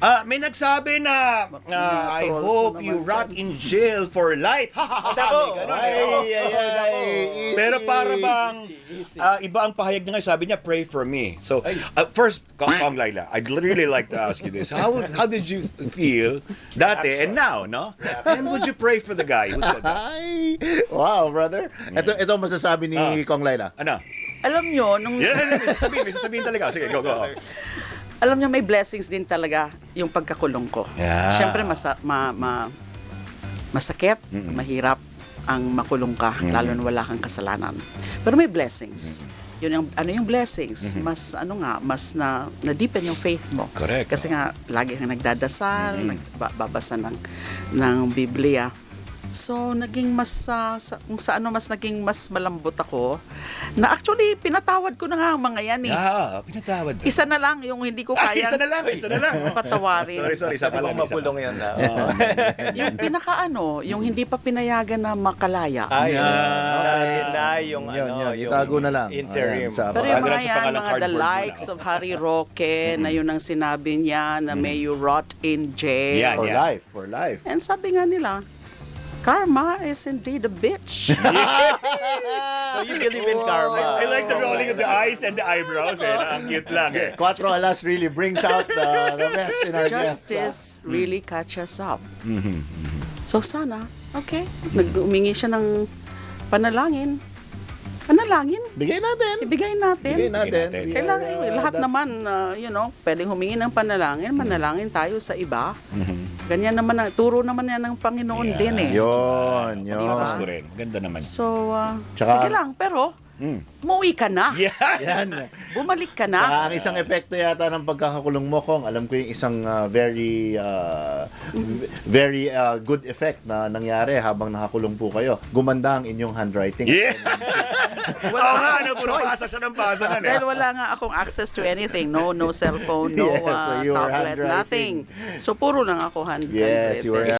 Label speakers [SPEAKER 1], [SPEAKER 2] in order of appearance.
[SPEAKER 1] May nagsabi na I hope you rot in jail for life. May ganun,
[SPEAKER 2] Ay.
[SPEAKER 1] Pero para bang iba ang pahayag niya, sabi niya pray for me. So first, Kong Laila, I'd really like to ask you this. How did you feel dati and now, no? And would you pray for the guy who said that?
[SPEAKER 2] Ay, wow, brother. Ito masasabi ni Kong Laila.
[SPEAKER 1] Ano?
[SPEAKER 3] Alam nyo, nung...
[SPEAKER 1] May sasabihin talaga. Sige, go.
[SPEAKER 3] Alam nyo, may blessings din talaga yung pagkakulong ko.
[SPEAKER 1] Yeah.
[SPEAKER 3] Siyempre, masakit, mahirap ang makulong ka, lalo na wala kang kasalanan. Pero may blessings. Yun yung blessings? Mas na-deepen yung faith mo.
[SPEAKER 1] Correct.
[SPEAKER 3] Kasi nga, lagi kang nagdadasal, nagbabasa ng Biblia. So, naging mas naging mas malambot ako na actually pinatawad ko na nga ang mga yan eh.
[SPEAKER 1] Pinatawad.
[SPEAKER 3] Isa na lang yung hindi ko kaya.
[SPEAKER 1] Isa na lang.
[SPEAKER 3] Patawarin.
[SPEAKER 1] Sorry, isa pa lang.
[SPEAKER 4] Mapulong yan.
[SPEAKER 3] Yung yung hindi pa pinayagan na makalaya.
[SPEAKER 4] Yung
[SPEAKER 2] itago na lang.
[SPEAKER 4] interim.
[SPEAKER 2] Ayan,
[SPEAKER 3] Pero yung
[SPEAKER 1] Pagalan
[SPEAKER 3] mga
[SPEAKER 1] sa
[SPEAKER 3] yan,
[SPEAKER 1] pangalang
[SPEAKER 3] mga the
[SPEAKER 1] cardboard
[SPEAKER 3] likes of Harry Roque, na yun ang sinabi niya, na may you rot in jail.
[SPEAKER 1] Yan.
[SPEAKER 2] For life.
[SPEAKER 3] And sabi nga nila, karma is indeed a bitch.
[SPEAKER 4] So you believe in karma.
[SPEAKER 1] I like the rolling of the eyes and the eyebrows. Ang cute lang.
[SPEAKER 2] Cuatro Alas really brings out the best in our guests.
[SPEAKER 3] Justice really catches up. So sana, okay, nag-umingi siya ng panalangin.
[SPEAKER 2] Bigay natin.
[SPEAKER 3] Ibigay natin. Kailangan, lahat naman, pwedeng humingi ng panalangin, manalangin tayo sa iba. Ganyan naman, turo naman yan ng Panginoon din eh.
[SPEAKER 2] Yun.
[SPEAKER 1] Tapos ko rin. Ganda naman.
[SPEAKER 3] So,
[SPEAKER 2] Tsaka-
[SPEAKER 3] sige lang, pero, umuwi ka na.
[SPEAKER 2] Yan.
[SPEAKER 3] Bumalik ka na.
[SPEAKER 2] Saka ang isang epekto yata ng pagkakakulong mo, Kong, alam ko yung isang very good effect na nangyari habang nakakulong po kayo. Gumanda ang inyong handwriting.
[SPEAKER 1] Yeah! Oo nga, puro pasa siya ng pasa na.
[SPEAKER 3] Dahil wala nga akong access to anything. No cellphone, no
[SPEAKER 2] Yes, so you were
[SPEAKER 3] tablet,
[SPEAKER 2] handwriting.
[SPEAKER 3] nothing. So, puro lang ako handwritten.
[SPEAKER 2] Yes, you were